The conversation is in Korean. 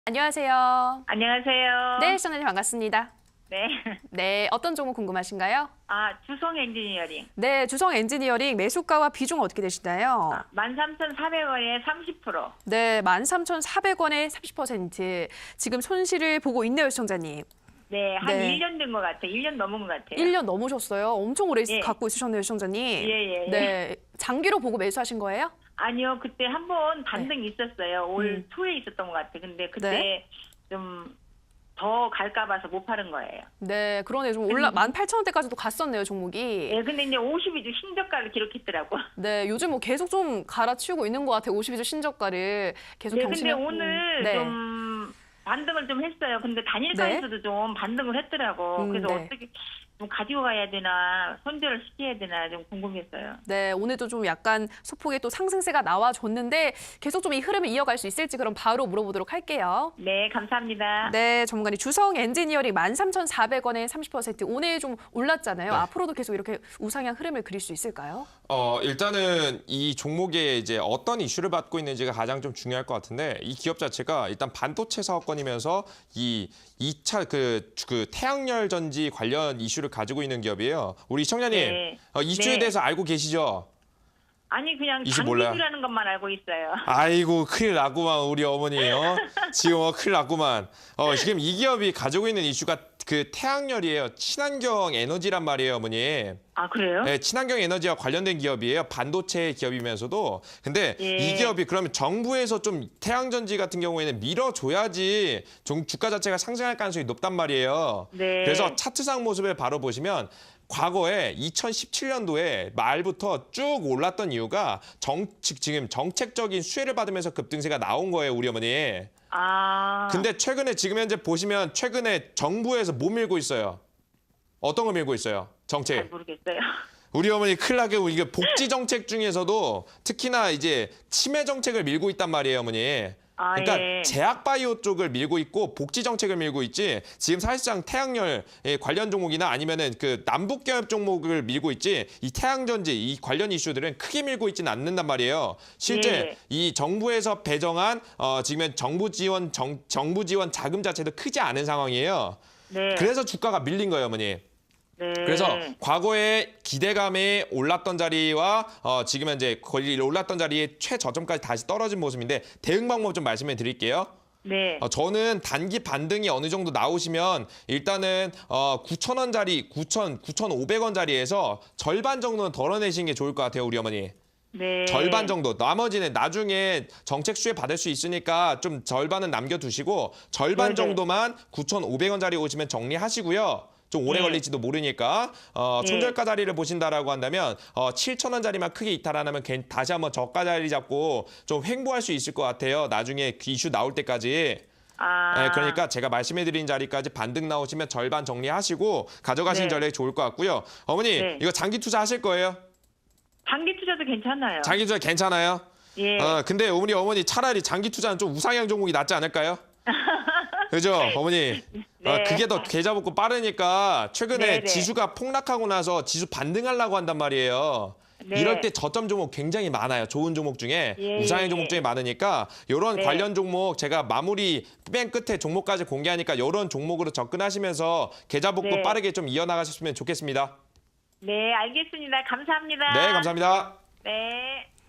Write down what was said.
안녕하세요. 안녕하세요. 네, 시청자님 반갑습니다. 네. 네, 어떤 종목 궁금하신가요? 주성 엔지니어링. 네, 주성 엔지니어링 매수가와 비중 어떻게 되시나요? 13,400원에 30%. 네, 13,400원에 30%. 지금 손실을 보고 있네요, 시청자님. 네, 한 네. 1년 된 것 같아요. 1년 넘은 것 같아요. 1년 넘으셨어요. 엄청 오래 예. 갖고 있으셨네요, 시청자님. 예. 네, 장기로 보고 매수하신 거예요? 아니요, 그때 한 번 반등이 있었어요. 올 초에 있었던 것 같아요. 근데 그때 네. 좀 더 갈까 봐서 못 파는 거예요. 네, 그러네요. 좀 18,000원대까지도 갔었네요, 종목이. 예, 근데 이제 52주 신저가를 기록했더라고. 네, 요즘 뭐 계속 좀 갈아치우고 있는 것 같아요. 52주 신저가를 계속 네, 근데 경신하고. 오늘 네. 좀 반등을 좀 했어요. 근데 단일가에서도 좀 반등을 했더라고. 그래서 네. 어떻게 좀 가지고 가야 되나, 손절을 시켜야 되나 좀 궁금했어요. 네, 오늘도 좀 약간 소폭의 또 상승세가 나와줬는데 계속 좀 이 흐름을 이어갈 수 있을지 그럼 바로 물어보도록 할게요. 네, 감사합니다. 네, 전문가님 주성 엔지니어링 13,400원에 30% 오늘 좀 올랐잖아요. 네. 앞으로도 계속 이렇게 우상향 흐름을 그릴 수 있을까요? 일단은 이 종목에 이제 어떤 이슈를 받고 있는지가 가장 좀 중요할 것 같은데 이 기업 자체가 일단 반도체 사업권이면서 이 2차 그 태양열 전지 관련 이슈를 가지고 있는 기업이에요. 우리 시청자님, 네. 이슈에 네. 대해서 알고 계시죠? 아니 그냥 이슈 몰라요? 장기주라는 것만 알고 있어요. 아이고 큰일 났구만 우리 어머니요. 지금 큰일 났구만. 지금 이 기업이 가지고 있는 이슈가 그 태양열이에요. 친환경 에너지란 말이에요, 어머니. 아 그래요? 네, 친환경 에너지와 관련된 기업이에요. 반도체 기업이면서도. 근데 예. 이 기업이 그러면 정부에서 좀 태양전지 같은 경우에는 밀어줘야지 주가 자체가 상승할 가능성이 높단 말이에요. 네. 그래서 차트상 모습을 바로 보시면 과거에 2017년도에 말부터 쭉 올랐던 이유가 지금 정책적인 수혜를 받으면서 급등세가 나온 거예요, 우리 어머니. 근데 최근에 지금 현재 보시면 최근에 정부에서 뭐 밀고 있어요? 어떤 거 밀고 있어요? 정책. 잘 모르겠어요. 우리 어머니 큰일 나게 이게 복지 정책 중에서도 특히나 이제 치매 정책을 밀고 있단 말이에요, 어머니. 그러니까 예. 제약 바이오 쪽을 밀고 있고 복지 정책을 밀고 있지. 지금 사실상 태양열 관련 종목이나 아니면은 그 남북 경협 종목을 밀고 있지. 이 태양전지 이 관련 이슈들은 크게 밀고 있지는 않는단 말이에요. 실제 예. 이 정부에서 배정한 지금 정부 지원 자금 자체도 크지 않은 상황이에요. 네. 그래서 주가가 밀린 거예요, 어머니. 네. 그래서 과거에 기대감에 올랐던 자리와 지금 현재 거의 올랐던 자리에 최저점까지 다시 떨어진 모습인데 대응 방법 좀 말씀해 드릴게요. 네. 저는 단기 반등이 어느 정도 나오시면 일단은 9,000원짜리 9,500원짜리에서 절반 정도는 덜어내시는 게 좋을 것 같아요, 우리 어머니. 네. 절반 정도. 나머지는 나중에 정책 수혜 받을 수 있으니까 좀 절반은 남겨두시고 절반 네네. 정도만 9,500원짜리 오시면 정리하시고요. 좀 오래 네. 걸릴지도 모르니까 손절가 자리를 보신다라고 한다면 7,000원짜리만 크게 이탈 안 하면 다시 한번 저가 자리 잡고 좀 횡보할 수 있을 것 같아요. 나중에 그 이슈 나올 때까지. 네, 그러니까 제가 말씀해드린 자리까지 반등 나오시면 절반 정리하시고 가져가시는 네. 전략이 좋을 것 같고요. 어머니 네. 이거 장기 투자 하실 거예요? 장기 투자도 괜찮아요. 장기 투자 괜찮아요? 예. 근데 우리 어머니 차라리 장기 투자는 좀 우상향 종목이 낫지 않을까요? 그죠, 어머니? 네. 그게 더 계좌 복구 빠르니까 최근에 네네. 지수가 폭락하고 나서 지수 반등하려고 한단 말이에요. 네. 이럴 때 저점 종목 굉장히 많아요. 좋은 종목 중에 예, 우상향 예. 종목 중에 많으니까 이런 네. 관련 종목 제가 마무리 맨 끝에 종목까지 공개하니까 이런 종목으로 접근하시면서 계좌 복구 네. 빠르게 좀 이어나가셨으면 좋겠습니다. 네, 알겠습니다. 감사합니다. 네, 감사합니다. 네.